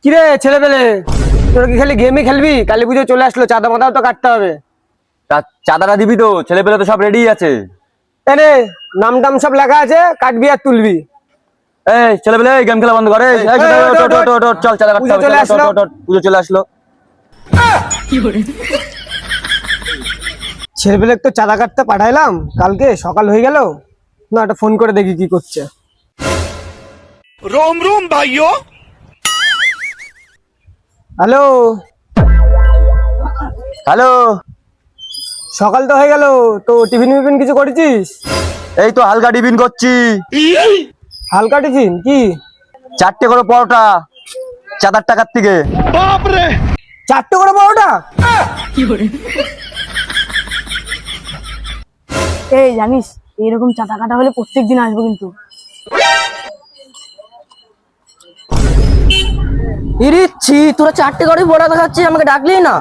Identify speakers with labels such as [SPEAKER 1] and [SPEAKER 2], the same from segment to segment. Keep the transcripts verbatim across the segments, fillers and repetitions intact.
[SPEAKER 1] কিরে ছেলে পেলে, তোর কি খালি গেমই খেলবি? কালী পুজো চলে আসলো, চাঁদা মাথাও তো কাটতে হবে।
[SPEAKER 2] চাঁদাটা দিবি তো? ছেলে পেলে তো সব রেডি আছে।
[SPEAKER 1] এনে নাম টাম সব লেখা আছে, কাটবি আর তুলবি।
[SPEAKER 2] এই ছেলে পেলে গেম খেলা বন্ধ করে, চল চাঁদা কাটতে হবে। পুজো চলে আসলো।
[SPEAKER 1] ছেলে পেলে তো চাঁদা কাটতে পাঠাইলাম, কালকে সকাল হয়ে গেল না, একটা ফোন করে দেখি কি করছে।
[SPEAKER 3] रोम रोम भाइयों।
[SPEAKER 1] হ্যালো
[SPEAKER 2] হ্যালো,
[SPEAKER 1] সকাল তো হয়ে গেল, তো টিফিন মিফিন কিছু করেছিস?
[SPEAKER 2] এই তো হালকা টিফিন করছি।
[SPEAKER 1] হালকা টিফিন কি?
[SPEAKER 2] চারটে করে পরোটা, চাঁদার টাকার থেকে।
[SPEAKER 3] बाप रे।
[SPEAKER 1] চারটে করে পরোটা?
[SPEAKER 4] এই জানিস এইরকম চাঁদা কাটা হলে প্রত্যেক দিন আসবো কিন্তু।
[SPEAKER 5] ইরিচ্ছি, তোরা চারটে করে বড়া দেখাচ্ছিস, আমাকে ডাকলি না?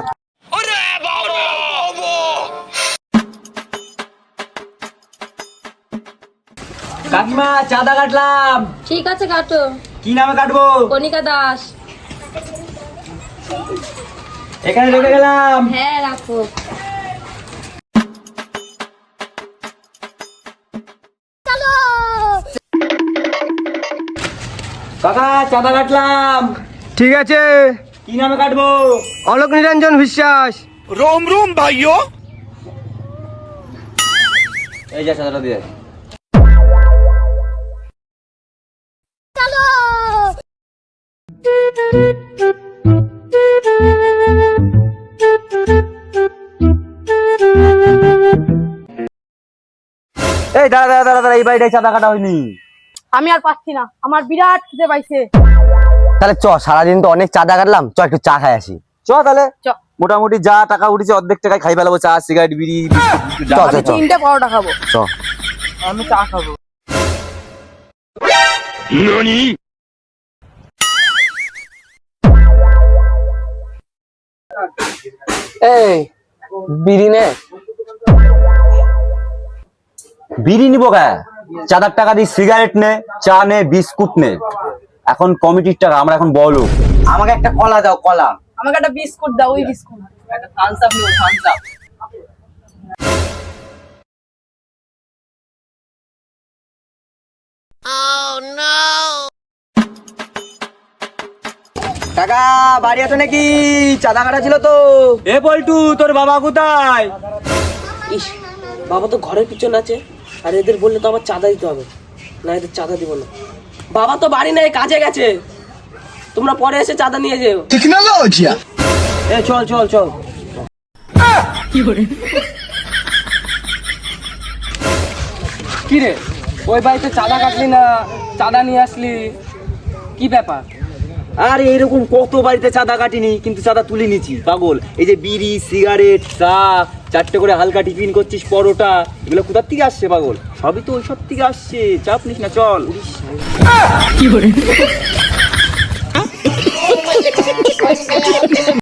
[SPEAKER 2] কাকিমা চাঁদা কাটলাম।
[SPEAKER 6] ঠিক আছে কাটো।
[SPEAKER 2] কি নামে কাটবো?
[SPEAKER 6] কণিকা দাস।
[SPEAKER 2] এখানে রেখে গেলাম।
[SPEAKER 6] হ্যাঁ রাখো।
[SPEAKER 2] কাকা চাঁদা কাটলাম।
[SPEAKER 1] ঠিক আছে।
[SPEAKER 2] কি নামে কাটবো?
[SPEAKER 1] অলোক নিরঞ্জন বিশ্বাস।
[SPEAKER 3] रोम रोम भाइयों।
[SPEAKER 2] এই যা চাঁদাটা দিয়ে। এই দাঁড়া দাঁড়া দাঁড়া দাঁড়া, এই বাড়িটাই চাঁদা কাটা হয়নি।
[SPEAKER 4] আমি আর পাচ্ছি না, আমার বিরাট খিদে পাইছে।
[SPEAKER 2] তাহলে চ, সারাদিন তো অনেক চাঁদা কাটলাম, চ একটু চা খাই আসি। চ তাহলে।
[SPEAKER 4] চ।
[SPEAKER 2] মোটামুটি যা টাকা উঠেছে অর্ধেক টাকায় খাই ফেলাবো, চা সিগারেট বিড়ি বিস্কুট, যা
[SPEAKER 4] আমি
[SPEAKER 2] আছে, চ
[SPEAKER 4] তিনটে পরোটা খাবো।
[SPEAKER 2] চ।
[SPEAKER 4] আমি চা খাবো।
[SPEAKER 3] नानी।
[SPEAKER 5] এই বিড়ি নে।
[SPEAKER 2] বিড়ি নিবো কে? চাঁদার টাকা দিয়ে সিগারেট নে, চা নে, বিস্কুট নে। এখন কমিটির টাকা, আমরা এখন বলো। আমাকে একটা কলা দাও, কলা।
[SPEAKER 4] আমাকে একটা বিস্কুট দাও, ওই বিস্কুট।
[SPEAKER 5] একটা থামস আপ নিও, থামস আপ।
[SPEAKER 2] কাকা বাড়ি আছো নাকি? চাঁদা কাটা ছিল তো। এ পল্টু, তোর বাবা কোথায়?
[SPEAKER 5] ইস, বাবা তো ঘরের পিছনে আছে, আর এদের বললে তো আবার চাঁদা দিতে হবে, না এদের চাঁদা দিব না। বাবা তো বাড়ি নেই, কাজে গেছে, তোমরা পরে এসে চাঁদা নিয়ে যেও।
[SPEAKER 3] टेक्नोलॉजी।
[SPEAKER 2] এ চল চল চল।
[SPEAKER 5] কি রে, ওই বাড়িতে চাঁদা কাটলি না, চাঁদা নিয়ে আসলি, কি ব্যাপার?
[SPEAKER 2] আর এইরকম কত বাড়িতে চাঁদা কাটিনি, কিন্তু চাঁদা তুলে নিচ্ছি পাগল। এই যে বিড়ি সিগারেট চা, চারটে করে হালকা টিফিন করছিস, পরোটা, এগুলো কোথার থেকে আসছে পাগল? সবই তো ওই সব থেকে আসছে, চাপ নিস না, চল।